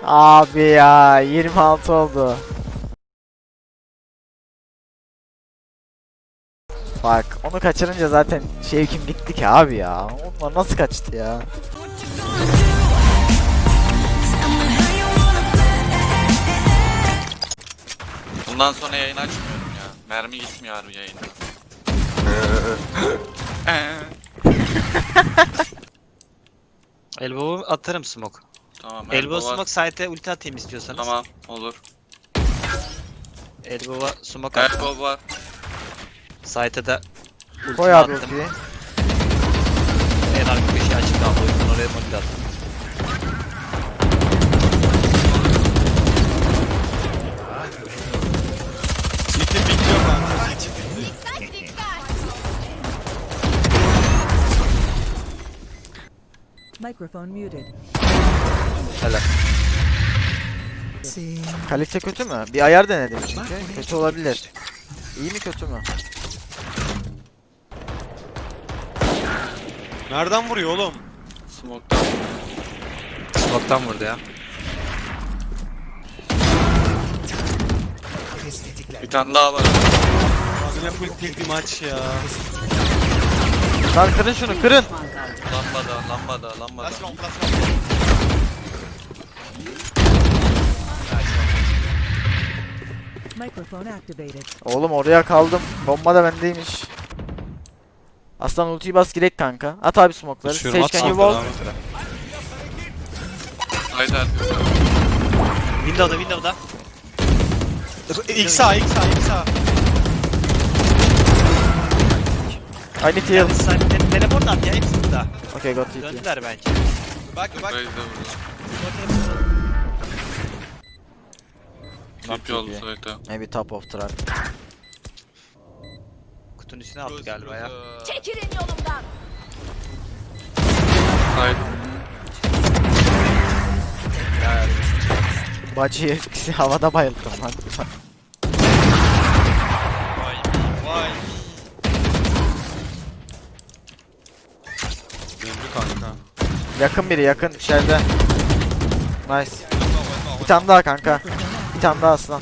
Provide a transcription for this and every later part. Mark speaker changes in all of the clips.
Speaker 1: Abi ya 26 oldu. Bak onu kaçırınca zaten şevkim gitti ki abi ya. Onlar nasıl kaçtı ya?
Speaker 2: Bundan sonra yayın açmıyorum ya. Mermi gitmiyor harbi yayına.
Speaker 3: Elbow'u atarım smoke.
Speaker 2: Tamam.
Speaker 3: Elbow
Speaker 2: var.
Speaker 3: smoke site'e ulti atayım istiyorsanız.
Speaker 2: Tamam olur.
Speaker 3: Elbow'a smoke attım.
Speaker 2: Elbow var.
Speaker 3: Site'e de ulti
Speaker 1: Koy abi
Speaker 3: attım.
Speaker 1: ultiyi.
Speaker 3: En arka köşeye açık kaldı o yüzden oraya molly attım.
Speaker 4: City bekliyor kanka.
Speaker 5: Microphone muted.
Speaker 3: Helal.
Speaker 1: Kalite kötü mü? Bir ayar denedim çünkü. Kötü olabilir. İyi mi kötü mü?
Speaker 4: Nereden vuruyor oğlum?
Speaker 2: Smoke'tan.
Speaker 3: Smoke'tan vurdu ya.
Speaker 2: Bir tane daha var.
Speaker 4: Abi ne full pil bir maç ya.
Speaker 1: Lan kırın şunu kırın.
Speaker 2: Lambada.
Speaker 5: Microphone activated.
Speaker 1: Oğlum oraya kaldım. Bomba da bendeymiş. Aslan ultiyi bas girek kanka. At abi smoke'ları.
Speaker 4: Düşüyorum,
Speaker 1: Sage
Speaker 4: at
Speaker 1: can you
Speaker 4: smoke'ları
Speaker 1: wall?
Speaker 4: abi.
Speaker 2: Haydi artık.
Speaker 3: Window'da.
Speaker 4: İlk sağ.
Speaker 1: I need heal.
Speaker 3: Teleport at ya hepsi burada.
Speaker 1: Okay got TP.
Speaker 3: Döndüler bence.
Speaker 4: Bak.
Speaker 2: Reis de vurdu.
Speaker 1: Not
Speaker 2: TP oldu
Speaker 1: TP.
Speaker 2: sayıda.
Speaker 1: Maybe top of track.
Speaker 3: Kutunun üstüne attı galiba ya.
Speaker 6: Çekilin yolumdan.
Speaker 2: Haydi.
Speaker 1: Bacıyı havada bayılttım lan.
Speaker 4: Vay. Döndü kanka.
Speaker 1: Yakın biri yakın içeride. Nice. Bir tane daha kanka. Bir tane daha aslan.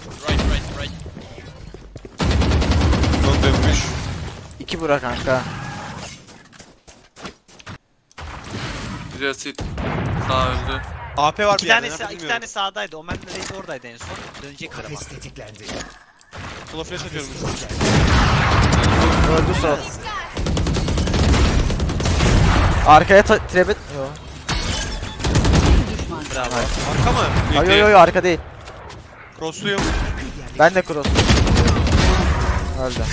Speaker 4: Dönmüş.
Speaker 1: 2 bura kanka.
Speaker 2: Güzel sit. Sağ öldü.
Speaker 4: AP var
Speaker 3: İki
Speaker 4: bir yerde.
Speaker 3: tane, tane sağdaydı. Omen Reis oradaydı en son. Dönecekler ama.
Speaker 4: Sola flash atıyorum.
Speaker 1: Öldü sol. Arkaya trebet. Yo.
Speaker 3: Bravo.
Speaker 4: Arka mı?
Speaker 1: Yo arka değil.
Speaker 4: Crossluyum.
Speaker 1: Ben de cross. Öldü.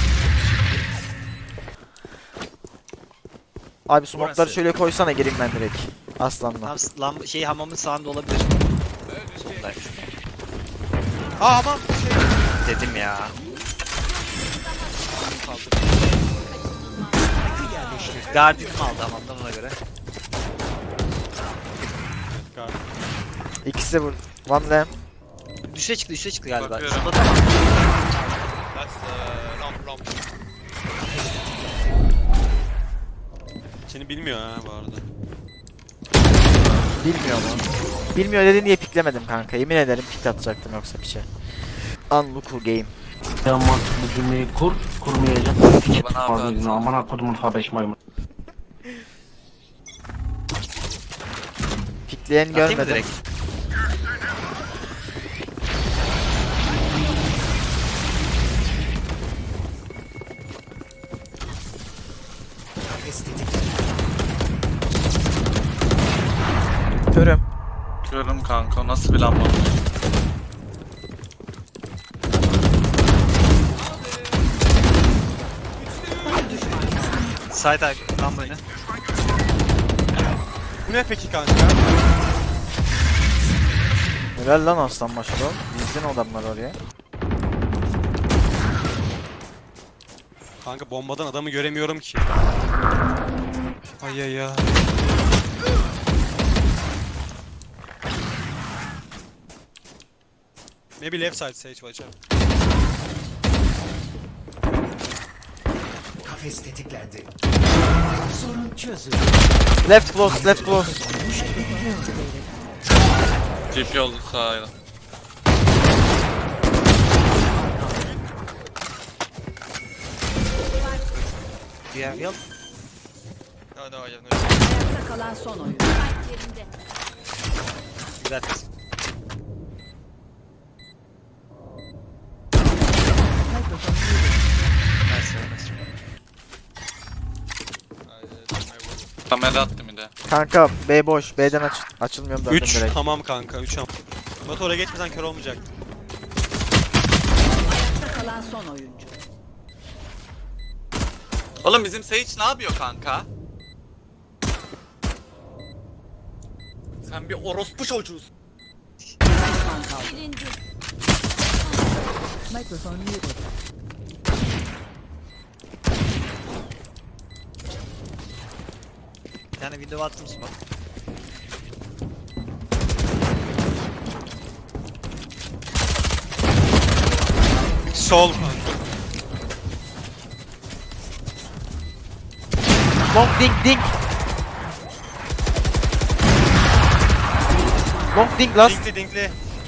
Speaker 1: Abi smoke'ları şöyle koysana gireyim ben direkt. Aslanla.
Speaker 3: Tam hamamın sağında olabilir. Soldaymış.
Speaker 4: Aman
Speaker 3: Dedim ya. Guardian'ım aldı hamamdan ona göre.
Speaker 1: İkisi vur. One lamp.
Speaker 3: Düşe çıktı galiba.
Speaker 2: Bakıyorum.
Speaker 3: Solda tamam.
Speaker 4: Seni bilmiyor ha bu arada.
Speaker 1: Bilmiyor mu? Bilmiyor dedin diye piklemedim kanka. Yemin ederim pik atacaktım yoksa piçe. Unlucky game.
Speaker 7: Ya mantıklı cümleyi kurmayacak. Hiç
Speaker 2: Bana
Speaker 7: fazla
Speaker 2: abi
Speaker 7: gün aman akodumun F5 maymun.
Speaker 1: Pikleyen
Speaker 3: Atayım mı
Speaker 1: görmedim.
Speaker 3: direkt?
Speaker 1: Körüm.
Speaker 2: Görüm kanka nasıl bir lamba.
Speaker 3: Side lan böyle.
Speaker 4: Bu ne peki kanka?
Speaker 1: Helal lan aslan başlı. Dizdin adamlar oraya.
Speaker 4: Kanka bombadan adamı göremiyorum ki. Ay ya. Maybe left side Sage watch out.
Speaker 8: Kafes tetiklendi.
Speaker 1: Left close, left close.
Speaker 2: TP oldu sağıyla.
Speaker 3: Yeah, yep.
Speaker 4: No, no, I have no.
Speaker 5: Ayakta kalan son oyuncu.
Speaker 6: Yerinde.
Speaker 3: You got this.
Speaker 5: Microphone muted.
Speaker 3: Nice, nice.
Speaker 4: My wall.
Speaker 2: Kamera attım bir de.
Speaker 1: Kanka B boş. B'den açılmıyorum döndüm
Speaker 4: 3
Speaker 1: direkt.
Speaker 4: hamam kanka 3 hamam. Batu oraya geçmesen kör olmayacak.
Speaker 5: Ayakta kalan son oyuncu.
Speaker 2: Oğlum bizim Sage ne yapıyor kanka? Sen bir orospu çocuğusun.
Speaker 5: Düşman kaldı.
Speaker 6: Silindi.
Speaker 5: Microphone muted.
Speaker 3: Bir tane window attım smoke.
Speaker 4: Sol.
Speaker 1: Long ding ding. Long ding last.
Speaker 4: Dinkli dinkli.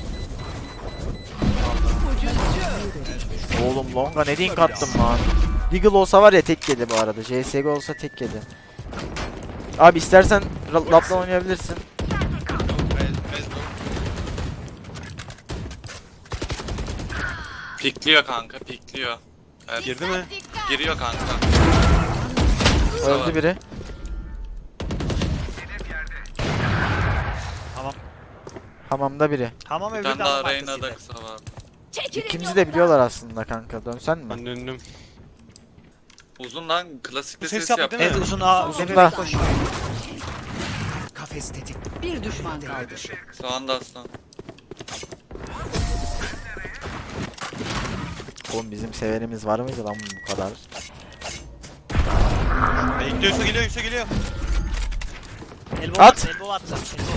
Speaker 1: Oğlum longa ne dink attım lan. Deagle olsa var ya tek yedi bu arada. CSGO olsa tek yedi. Abi istersen lapla oynayabilirsin.
Speaker 2: Pikliyor kanka, pikliyor. Evet,
Speaker 4: Girdi mi?
Speaker 2: giriyor kanka.
Speaker 1: Öldü biri.
Speaker 3: Hamam.
Speaker 1: Hamamda biri.
Speaker 3: Hamam
Speaker 2: Bir
Speaker 3: öbürü de
Speaker 2: tane daha
Speaker 3: hamam
Speaker 2: Reyna'da
Speaker 3: arkasıydı.
Speaker 2: kısa var.
Speaker 6: Çekilin
Speaker 1: İkimizi de biliyorlar aslında kanka. Dönsen mi?
Speaker 4: Ben döndüm.
Speaker 2: Uzun lan, klasikte
Speaker 4: Bu ses
Speaker 2: ses
Speaker 4: yaptı
Speaker 2: yap.
Speaker 4: değil mi?
Speaker 3: Evet uzun A. Uzun
Speaker 1: Uzunda.
Speaker 3: bebek koşuyor.
Speaker 5: Bir düşman kaldı.
Speaker 2: Sağında aslan.
Speaker 1: Oğlum bizim severimiz var mıydı lan bu kadar?
Speaker 4: Bekliyor, Yusuf geliyor, Yusuf geliyor.
Speaker 3: Elbow
Speaker 1: At.
Speaker 3: attı. Elbow attı.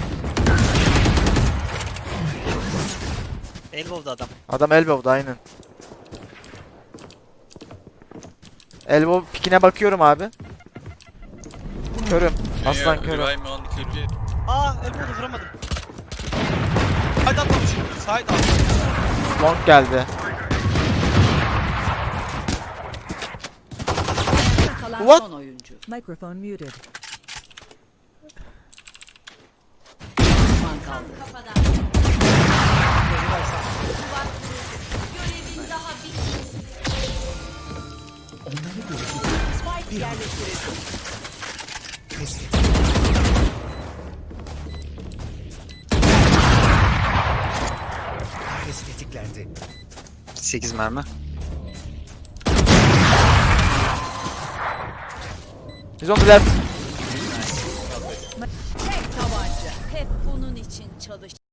Speaker 3: Elbow'da adam.
Speaker 1: Adam elbow'da aynen. Elbow pikine bakıyorum abi. Körüm. Aslan körüm.
Speaker 2: Revive mi on klipi?
Speaker 4: Aa, elbow'da vuramadım. Side atmamış. Side atmamış.
Speaker 1: Long geldi.
Speaker 5: Ayakta kalan
Speaker 1: What?
Speaker 5: son oyuncu. Microphone muted. Düşman kaldı.
Speaker 6: kafadan. Görevin daha bitmedi.
Speaker 5: Spike yerleştirildi.
Speaker 3: 8 mermi.
Speaker 1: He's on the left.
Speaker 6: Tek tabanca. Hep bunun için çalış.